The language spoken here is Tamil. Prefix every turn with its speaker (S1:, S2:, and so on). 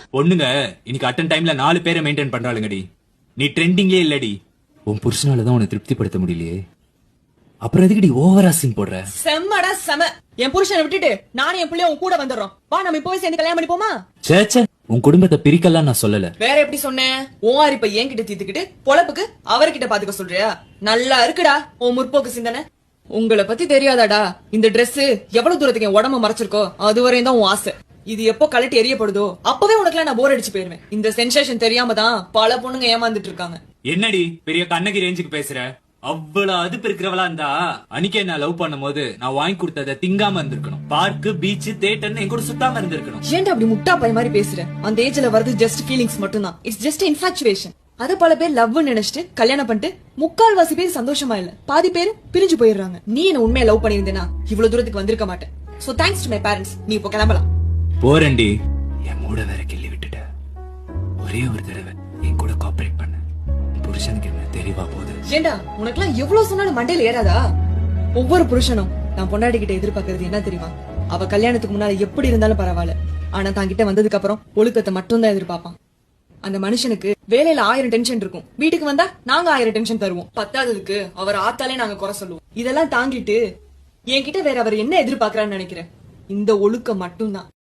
S1: பொண்ணுங்க இன்னைக்கு அட்டன் டைம்ல 4 பேரை மெயின்டைன் பண்றாளுங்கடி. நீ ட்ரெண்டிங்கே இல்லடி. உன் புருஷனாலதான் உன்னை திருப்திப்படுத்த முடியலையே, அப்புறம் எதுக்குடி ஓவரா சீன் போடுற?
S2: செம்மடா செம. என் புருஷனை விட்டுட்டு நானும் என் பிள்ளைய உன் கூட வந்துடுறோம். வா நம்ம இப்போவே சேர்ந்து கல்யாணம் பண்ணிப்போமா?
S1: சேச்சே, உன் குடும்பத்தை பிரிக்கலாம் நான் சொல்லல.
S2: வேற எப்படி சொன்னேன்? ஓஆர் இப்ப என்கிட்ட தீத்துக்கிட்டு பொழப்புக்கு அவர்கிட்ட பாத்துக்க சொல்றியா? நல்லா இருக்குடா உன் முற்போக்கு சிந்தனை. உங்களை பத்தி தெரியாதாடா? இந்த Dress எவ்வளவு தூரத்துக்கு என் உடம்ப மறைச்சிருக்கோ அது வரையும் தான் உன் ஆசை. இது எப்போ கலட்டி எரியப்படுதோ அப்பவே உனக்குலாம் நான் போர் அடிச்சு போயிருவேன். இந்த சென்சேஷன் தெரியாம தான் பல பொண்ணுங்க ஏமாந்துட்டு இருக்காங்க.
S1: என்னடி பெரிய கண்ணகி ரேஞ்சுக்கு பேசுற? அவ்வளவு அதுப்பு இருக்கிறவளா இருந்தா அன்னைக்கே நான் லவ் பண்ணும் போது நான் வாங்கி கொடுத்ததை திங்காம இருந்திருக்கணும். பார்க்கு, பீச், தியேட்டர்னு என் கூட சுத்தாம இருந்திருக்கணும்.
S2: ஏன்டா அப்படி முட்டா பைய மாதிரி பேசுற? அந்த ஏஜ்ல வருது ஜஸ்ட் ஃபீலிங்ஸ் மட்டும் தான். It's just infatuation. அத பல பேர் லவ்னு நினைச்சிட்டு கல்யாணம் பண்ணிட்டு முக்கால்வாசி பேர் சந்தோஷமா இல்ல, பாதி பேர் பிரிஞ்சு போயிடுறாங்க. நீ என்ன உண்மையா லவ் பண்ணிருந்தேனா இவ்வளவு தூரத்துக்கு வந்திருக்க மாட்டேன். So thanks to my parents. நீ இப்போ கிளம்பலாம்.
S1: போறேன்டி. என் மூட வேற கிள்ளி விட்டுட்ட. ஒரே ஒரு தடவை என் கூட கோஆபரேட் பண்ண. புருஷனுக்கு என்ன தெளிவா போகுது.
S2: ஏண்டா உனக்குலாம் எவ்வளவு சொன்னாலும் மண்டையில ஏறாதா? ஒவ்வொரு புருஷனும் நான் பொண்டாட்டி கிட்ட எதிர்பார்க்கறது என்ன தெரியுமா? அவ கல்யாணத்துக்கு முன்னால எப்படி இருந்தாலும் பரவாயில்ல, ஆனா தான் கிட்ட வந்ததுக்கு அப்புறம் ஒழுக்கத்தை மட்டும் தான் எதிர்பார்ப்பான். அந்த மனுஷனுக்கு வேலையில 1000 டென்ஷன் இருக்கும், வீட்டுக்கு வந்தா நாங்க 1000 டென்ஷன் தருவோம். பத்தாததுக்கு அவர் ஆத்தாலே நாங்க குறை சொல்லுவோம். இதெல்லாம் தாங்கிட்டு என்கிட்ட வேற அவர் என்ன எதிர்பார்க்கறான்னு நினைக்கிறேன்? இந்த ஒழுக்கம் மட்டும்தான்.